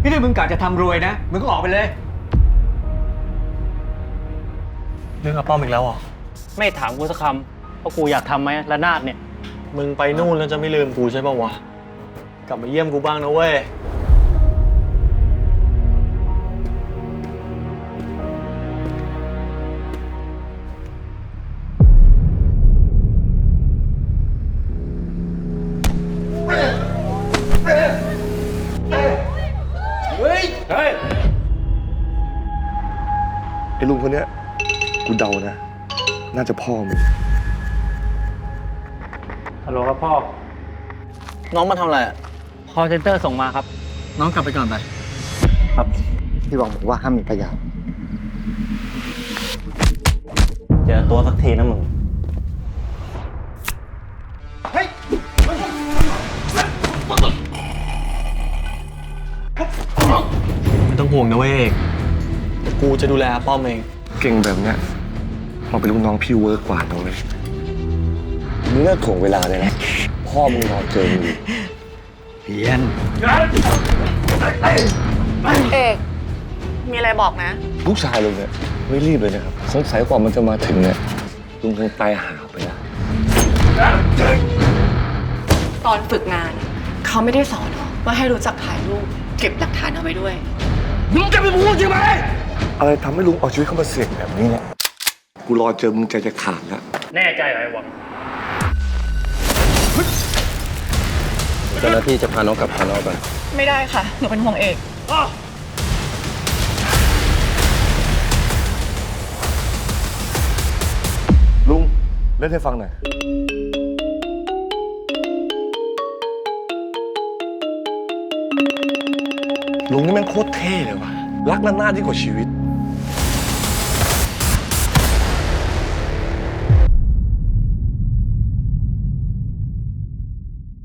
นี่ถ้ามึงกะจะทำรวยนะมึงก็ออกไปเลยเรื่องอาป้อมอีกแล้วเหรอไม่ถามกูสักคำว่ากูอยากทำไหมระนาดเนี่ยมึงไปนู่นแล้วจะไม่ลืมกูใช่ป่าวะ กลับมาเยี่ยมกูบ้างนะเว้ยไอ้ลุงคนเนี้ยกูเดานะ น่าจะพ่อมึงฮัลโหลครับพ่อน้องมาทำอะไรอ่ะคอเซ็นเตอร์ส่งมาครับน้องกลับไปก่อนไปพี่หวังบอกว่าห้ามมีพยานเจอตัวสักทีนะมึง ไม่ต้องห่วงนะเว้ยเอกแต่กูจะดูแลอาป้อมเองเก่งแบบเนี้ยเราเป็นลูกน้องพี่เวิร์กกว่านะเว้ยมึงเลิกถ่วงเวลาเลยนะ พ่อมึงรอเจอมึงอยู่เพียนเอก มีอะไรบอกนะลูกชายลุงเนี่ยไม่รีบเลยนะครับ สงสัยกว่ามันจะมาถึงเนี่ยลุงคงตายหาไปแล้วตอนฝึกงาน เขาไม่ได้สอนหรอว่าให้รู้จักถ่ายรูป เก็บหลักฐานเอาไว้ด้วยมึงจะไปพูดใช่ไหมอะไรทำให้ลุงเอาชีวิตเข้ามาเสี่ยงแบบนี้เนี่ยกูรอเจอมึงใจจะขาดแล้วแน่ใจเหรอไอ้หวังเจ้าหน้าที่จะพาน้องกลับพาน้องไปไม่ได้ค่ะ หนูเป็นห่วงเอกลุงเล่นให้ฟังหน่อย ลุงนี่แม่งโคตรเท่เลยว่ะ รักระนาดยิ่งกว่าชีวิต